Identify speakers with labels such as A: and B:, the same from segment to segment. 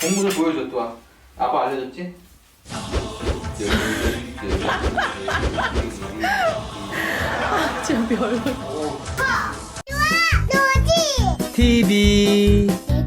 A: 공부를 보여줘 또. 아빠 알려줬지?
B: 진짜 별.
A: TV.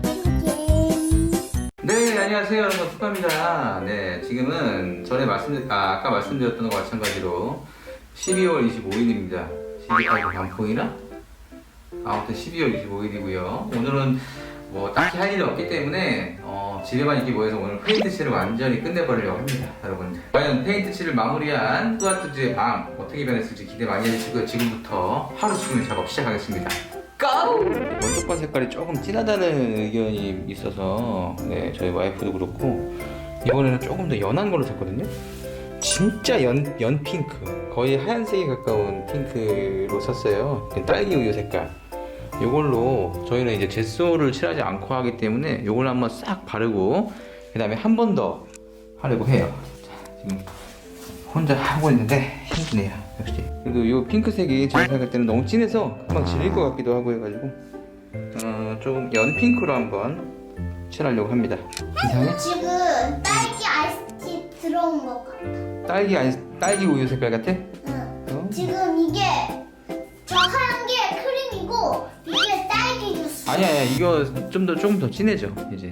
A: 네, 안녕하세요 여러분, 툭파입니다. 네, 지금은 아까 말씀드렸던 것과 마찬가지로 12월 25일입니다. 12까지 반풍이나? 아무튼 12월 25일이고요. 오늘은 뭐 딱히 할 일이 없기 때문에 집에만 이렇게 모여서 오늘 페인트 칠을 완전히 끝내버리려고 합니다, 여러분들. 과연 페인트 칠을 마무리한 뚜아뚜즈의 밤 어떻게 변했을지 기대 많이 해주시고요. 지금부터 하루 종일 작업 시작하겠습니다. 고! 원톱반 색깔이 조금 진하다는 의견이 있어서 네, 저희 와이프도 그렇고 이번에는 조금 더 연한 걸로 샀거든요. 진짜 연 핑크, 거의 하얀색에 가까운 핑크로 샀어요. 딸기 우유 색깔. 이걸로 저희는 이제 젯소를 칠하지 않고 하기 때문에 이걸 한번 싹 바르고 그 다음에 한 번 더 하려고 해요. 자, 지금 혼자 하고 있는데 힘드네요, 역시. 그래도 이 핑크색이 제가 생각할 때는 너무 진해서 금방 질릴 것 같기도 하고 해가지고 조금 연 핑크로 한번 칠하려고 합니다. 이상해?
C: 지금 딸기 아이스티 들어온 것 같아.
A: 딸기 우유 색깔 같아?
C: 응. 지금 이게 저 하얀 게 크림이고 이게 딸기 주스.
A: 아니야, 이거 조금 더 진해져 이제.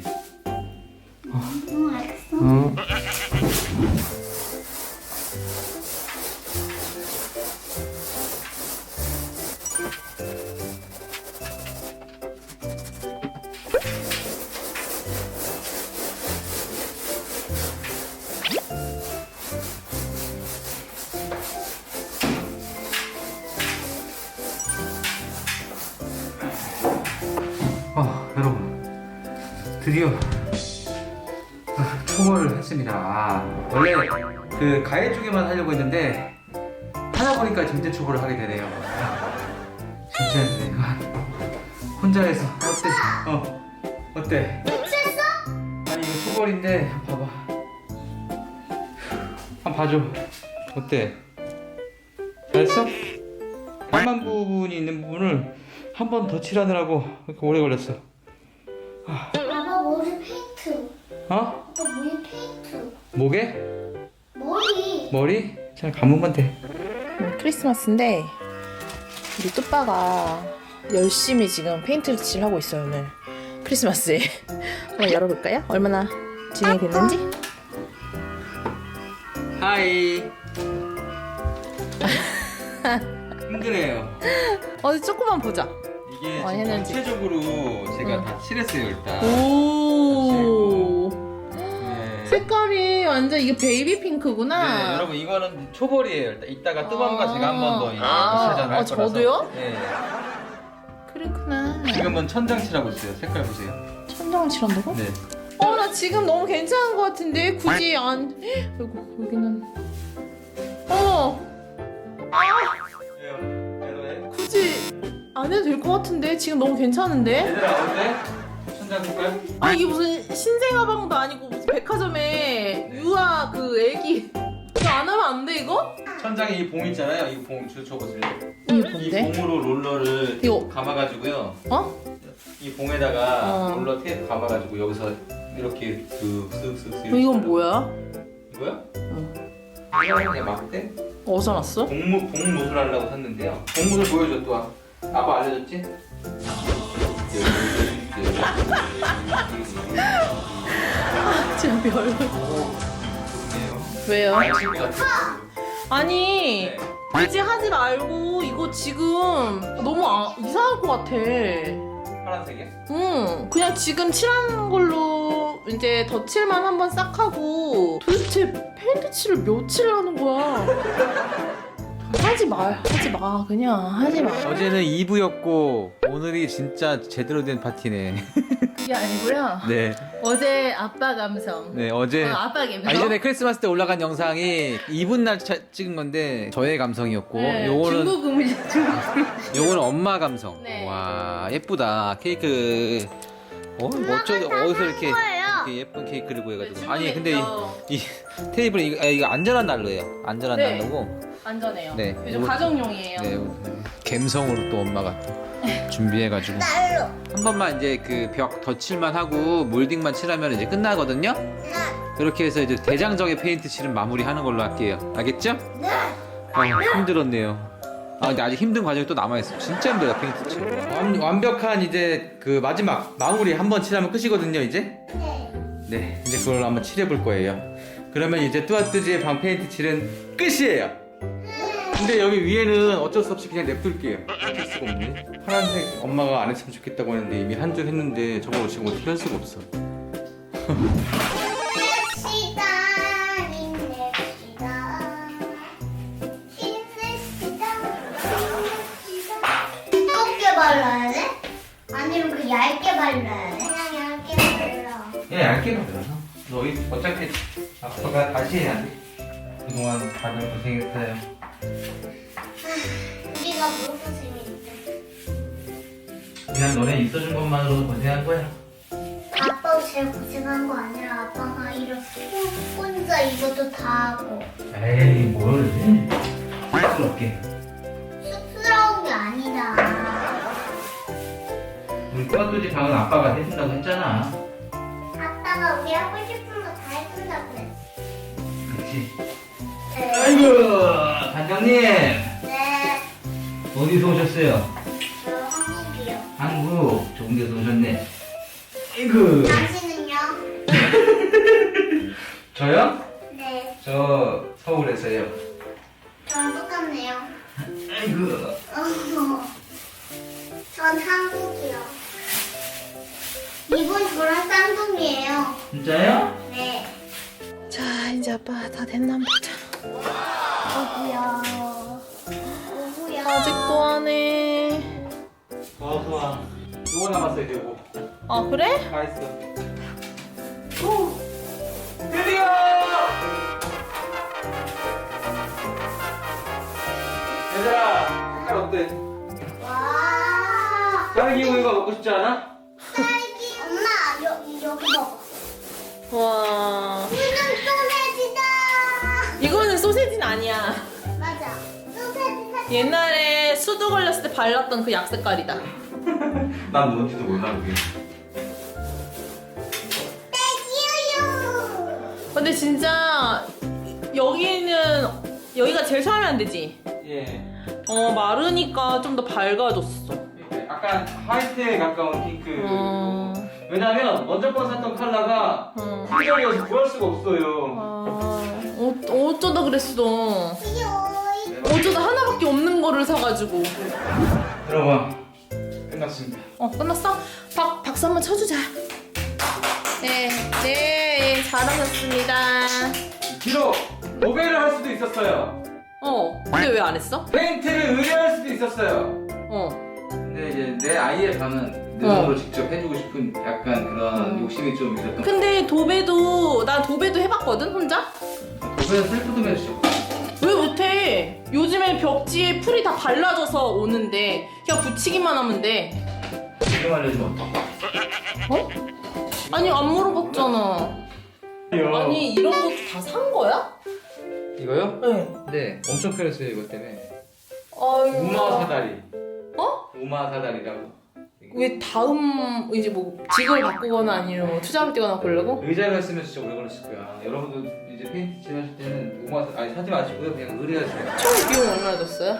C: 응, 알겠어.
A: 여러분, 드디어 초벌을 했습니다. 원래 그 가해 쪽에만 하려고 했는데 하다 보니까 전체 초벌을 하게 되네요. 진짜 힘드네. 혼자 해서 어때? 어때?
C: 미쳤어?
A: 아니 이거 초벌인데 봐봐. 한번 봐줘. 어때? 잘했어? 까만 부분이 있는 부분을 한 번 더 칠하느라고 이렇게 오래 걸렸어.
C: 아빠 머리 페인트.
A: 어?
C: 아빠 머리 페인트.
A: 목에?
C: 머리.
A: 머리? 잘 감으면 돼.
B: 크리스마스인데 우리 뚜빠가 열심히 지금 페인트 칠하고 있어요, 오늘 크리스마스에. 한번 열어볼까요? 얼마나 진행이 됐는지?
A: 하이. 힘드네요.
B: 어디 조금만 보자.
A: 이게
B: 많이
A: 지금
B: 했는지.
A: 전체적으로 제가
B: 응.
A: 다 칠했어요 일단.
B: 오.
A: 네.
B: 색깔이 완전 이게 베이비 핑크구나.
A: 네, 여러분 이거는 초벌이에요. 일단 이따가 뜨밤과 제가 한 번 더 칠하잖아요.
B: 아, 저도요?
A: 네.
B: 그렇구나.
A: 지금은 천장 칠하고 있어요. 색깔 보세요.
B: 천장 칠한다고?
A: 네.
B: 나 지금 너무 괜찮은 것 같은데 굳이 안. 아이고 여기는.
A: 왜요? 왜?
B: 굳이 안 해도 될 것 같은데 지금 너무 괜찮은데?
A: 얘들아 어때? 천장 색깔?
B: 아 이게 무슨 신생아방도 아니고 무슨 백화점에 유아 그 애기 이거 안 하면 안 돼 이거?
A: 천장에 이 봉 있잖아요. 이 봉 줘보세요.
B: 이게
A: 이
B: 뭔데?
A: 봉으로 롤러를
B: 이거.
A: 감아가지고요.
B: 어?
A: 이 봉에다가
B: 어.
A: 롤러 테이프 감아가지고 여기서 이렇게 쓱쓱쓱.
B: 이건 뭐야?
A: 이거요?
B: 응.
A: 이거 그냥 막대?
B: 어디서 났어?
A: 봉무술 하려고 샀는데요. 봉무술 보여줘 또. 아빠 알려줬지?
B: 진짜 별.
A: 좋네요.
B: 왜요?
A: 친구 같은.
B: 아니
A: 네.
B: 굳이 하지 말고 이거 지금 너무 이상할 것 같아.
A: 파란색이야?
B: 응, 그냥 지금 칠한 걸로 이제 덧칠만 한번 싹 하고 도대체 페인트 칠을 며칠 하는 거야? 하지 마, 그냥 하지 마.
A: 어제는 2부였고 오늘이 진짜 제대로 된 파티네.
B: 그게 아니고요.
A: 네.
B: 어제 아빠 감성.
A: 네 어제
B: 아빠 감성.
A: 이전에 크리스마스 때 올라간 영상이 이분 날 찍은 건데 저의 감성이었고 요거는
B: 중국 음식.
A: 요거는 엄마 감성.
B: 네.
A: 와 예쁘다 케이크. 어디서 이렇게 예쁜 케이크를 구해가지고. 아니 근데 이 테이블이 이거 안전한 난로예요. 안전한
B: 네.
A: 난로고.
B: 안전해요.
A: 네.
B: 요즘
A: 이거-
B: 가정용이에요.
A: 네. 감성으로 또 엄마가 또
D: 준비해가지고
C: 날로.
D: 한 번만 이제 그 벽 덧칠만 하고 몰딩만 칠하면 이제 끝나거든요. 그렇게 해서 이제 대장적인 페인트 칠은 마무리하는 걸로 할게요. 알겠죠?
C: 네.
D: 힘들었네요. 근데 아직 힘든 과정이 또 남아있어. 진짜 힘들다 페인트 칠.
A: 완벽한 이제 그 마지막 마무리 한 번 칠하면 끝이거든요 이제.
C: 네.
A: 네, 이제 그걸 한번 칠해볼 거예요. 그러면 이제 뚜아뚜지의 방 페인트 칠은 끝이에요. 근데 여기 위에는 어쩔 수 없이 그냥 냅둘게요. 어쩔 수가 없네. 파란색 엄마가 안 했으면 좋겠다고 했는데 이미 한 줄 했는데 저걸 지금 어떻게 할 수가 없어.
C: 힘냅시다. 힘냅시다. 힘냅시다. 힘냅시다. 두껍게 발라야 돼? 아니면 그 얇게 발라야 돼? 그냥 얇게 발라.
A: 그냥 얇게 발라서. 너희 어차피 아빠가 다시 해야 돼. 그동안 다들 고생했어요.
C: 우리가 무슨 고생했대?
A: 그냥 너네 있어준 것만으로도 고생한 거야.
C: 아빠가 제일 고생한 거 아니라 아빠가 이렇게 혼자 이것도 다 하고.
A: 에이 뭘 쑥스럽게.
C: 쑥스러운 게 아니다.
A: 우리 뚜아뚜지 방은 아빠가 해준다고 했잖아.
C: 아빠가 우리 하고 싶은 거 다 해준다고 그랬어.
A: 그렇지.
C: 네.
A: 아이고 단장님
C: 네.
A: 어디서 오셨어요?
C: 저 한국이요.
A: 한국 좋은 데서 오셨네. 아이고
C: 당신은요?
A: 저요?
C: 네.
A: 저 서울에서요.
C: 저랑 똑같네요.
A: 아이고
C: 전 한국이요. 이분 저랑 쌍둥이에요.
A: 진짜요?
C: 네.
B: 자 이제 아빠 다 됐나 한번 보자.
C: 어구야. 어구야.
B: 아직도 안 해.
A: 좋아. 요거 남았어요 요거.
B: 아 그래?
A: 다 했어. 오! 드디어! 얘들아 색깔 어때?
C: 와.
A: 딸기 우유가 먹고 싶지 않아?
C: 딸기. 엄마 여기 먹어.
B: 와
C: 이건 소세지다.
B: 이거는 소세지는 아니야.
C: 맞아. 소세지.
B: 옛날에 수두 걸렸을 때 발랐던 그 약 색깔이다.
A: 난 뭔지도 몰라 그게.
C: 딸기우유.
B: 근데 진짜 여기가 제일 처음에 안 되지?
A: 예.
B: 마르니까 좀 더 밝아졌어.
A: 약간 화이트에 가까운 핑크.
B: 어.
A: 왜냐면 먼저 거 샀던 컬러가 품절이어서 구할 수가 없어요.
B: 어쩌다 그랬어.
C: 귀여워.
B: 어쩌다 하나밖에 없는 거를 사가지고.
A: 들어봐. 끝났습니다.
B: 끝났어? 박수 한번 쳐주자. 네, 잘하셨습니다.
A: 비록 도배를 할 수도 있었어요.
B: 근데 왜 안 했어?
A: 페인트를 의뢰할 수도 있었어요.
B: 어.
A: 근데 이제 내 아이의 방은 내 손으로 직접 해주고 싶은 약간 그런 욕심이 좀 있었던.
B: 근데 나 도배도 해봤거든, 혼자?
A: 도배는 셀프도 해주죠.
B: 왜 못해? 요즘에 벽지에 풀이 다 발라져서 오는데 그냥 붙이기만 하면 돼.
A: 지금 알려주면 어떡해?
B: 어? 아니 안 물어봤잖아. 아니 이런 것도 다 산 거야?
A: 이거요?
B: 네.
A: 네. 엄청 편했어요 이것 때문에.
B: 아이고.
A: 우마 사다리.
B: 어?
A: 우마 사다리라고.
B: 왜 다음 이제 뭐 직업을 바꾸거나 아니면 투자를 뛰거나 그러려고?
A: 의자를 했으면 진짜 오래 걸렸을 거야. 여러분도 이제 페인트 칠하실 때는 사지 마시고요. 그냥 의뢰하세요.
B: 총 비용 얼마나 줬어요?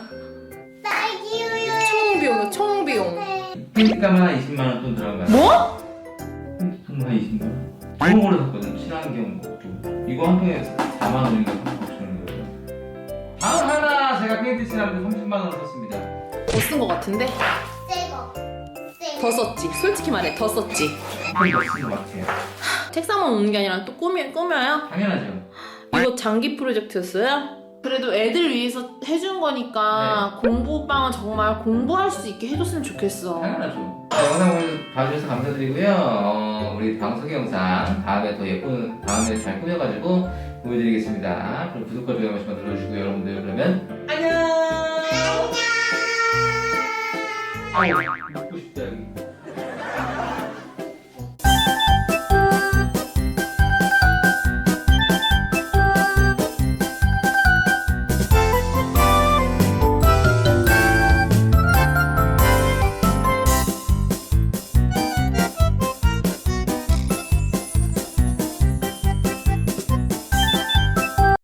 C: 딸기우유.
B: 총 비용.
A: 페인트값만 한 20만 원 돈 들어간 거야.
B: 뭐?
A: 페인트값만 한 20만 원. 좋은 거로 샀거든. 친환경 것도. 이거 한 통에 4만 원인가 3만 원인가. 방 하나 제가 페인트 칠하는데 30만 원 썼습니다.
B: 더 쓴 거 같은데?
C: 새거.
B: 더 썼지. 솔직히 말해 더 썼지.
A: 이거 쓴것 같아요.
B: 책상만 오는 게 아니라 또 꾸며요?
A: 당연하죠.
B: 이거 장기 프로젝트였어요? 그래도 애들 위해서 해준 거니까 공부방은 정말 공부할 수 있게 해줬으면 좋겠어.
A: 당연하죠. 영상 봐주셔서 감사드리고요. 우리 방송의 영상 다음에 더 예쁜 다음에 잘 꾸며가지고 보여드리겠습니다. 그럼 구독과 좋아요 한 번씩만 눌러주시고요. 여러분들 그러면 안녕.
C: 안녕.
A: 아유.